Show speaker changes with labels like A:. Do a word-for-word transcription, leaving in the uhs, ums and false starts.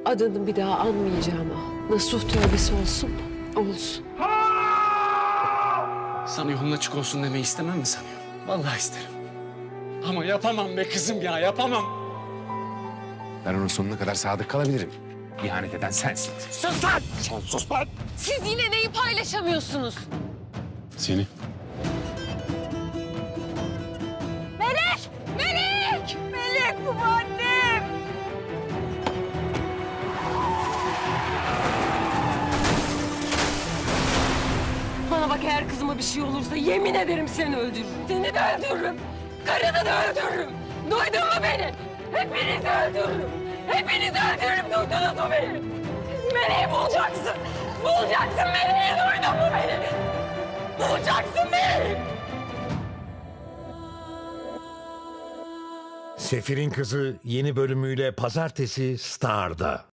A: Adını bir daha anmayacağım ha. Nasuh tövbesi olsun mu? Olsun.
B: Sana yolun açık olsun demeyi istemem mi sanıyorsun? Vallahi isterim. Ama yapamam be kızım ya, yapamam.
C: Ben onun sonuna kadar sadık kalabilirim. İhanet eden sensin.
B: Sus lan! Sen sus lan!
A: Siz yine neyi paylaşamıyorsunuz?
C: Seni.
A: Melek! Melek! Melek bu annem! Bana bak, eğer kızıma bir şey olursa yemin ederim seni öldürürüm. Seni de öldürürüm. Karını da öldürürüm. Duydun mu beni? Hepinizi öldürürüm. Hepinizi öldürürüm. Duydunuz mu beni? Meleği bulacaksın. Bulacaksın Meleği. Duydun mu beni? Bulacaksın Meleği.
D: Sefir'in Kızı yeni bölümüyle pazartesi Star'da.